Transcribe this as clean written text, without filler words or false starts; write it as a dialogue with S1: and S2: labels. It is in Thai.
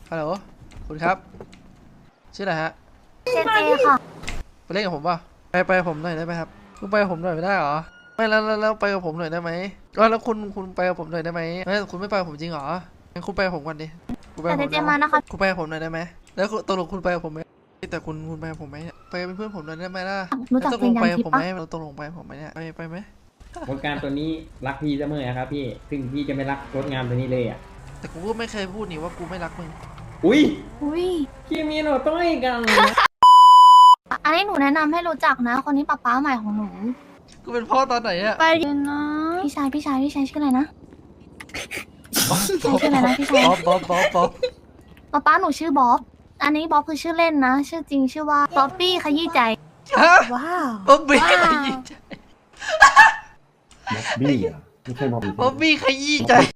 S1: ฮัลโหลคุณครับชื่ออะไรฮะ
S2: เจเจค่ะ
S1: ไปเล่นกับผมป่ะไปกับผมหน่อยได้ไหมครับคุณไปกับผมหน่อยไม่ได้เหรอไม่แล้วไปกับผมหน่อยได้ไหมแล้วคุณไปกับผมหน่อยได้ไหมไม่คุณไม่ไปกับผมจริงเหรองั้นคุณไปกับผมก่อนดิคุณไป
S2: แต่
S1: กับ
S2: เจ
S1: ผม
S2: เจ
S1: ได้ไหม
S2: มานะคะ
S1: คุณไปกับผมหน่อยได้ไหมแล้วตกลงคุณไปกับผมไหมแต่คุณไปกับผมไหมเนี่ยไปเป็นเพื่อนผมหน่อยได้ไหมล่ะ
S2: รู้จัก
S1: ตก
S2: วิ
S1: ล
S2: ญ
S1: ง
S2: ญา
S1: ไป
S2: ณ
S1: กับ
S2: ทิพ
S1: ผม
S2: ย์
S1: ไหม
S2: ปะ
S1: เราตกลงไปผมไหมเนี่ยไปไหม
S3: รถงานตัวนี้รักพี่เสมอครับพี่ซึ่งพี่จะไม่รักรถงานตัวนี้เลยอ่ะ
S1: แต่กูก็ไม่เคยพูดนี่ว่ากูไม่รักมึง
S3: อุ้ย
S2: อุ้ย
S3: พี่มีหนูต้องให้กันนะ
S2: อันนี้หนูแนะนำให้รู้จักนะ คนนี้ป๊าใหม่ของหนู
S1: กูเป็นพ่อตอนไหนอะ
S2: ไปนะ พี่ชายชื่ออะไรนะชื่ออะไรนะพี่ชาย
S1: บ๊อบ
S2: ป๊าหนูชื่อบ๊อบ อันนี้บ๊อบคือชื่อเล่นนะ ชื่อจริงชื่อว่าบ๊อบบี้ขยี้ใจ
S1: ฮะ
S2: ว้าว
S1: บ๊อบบี้
S2: ว้าว
S1: ขยี้ใจ
S4: ม็อบบี้อ่ะไม่ใช่ม็อบบี้
S1: บ๊อบบี้ขยี้ใจ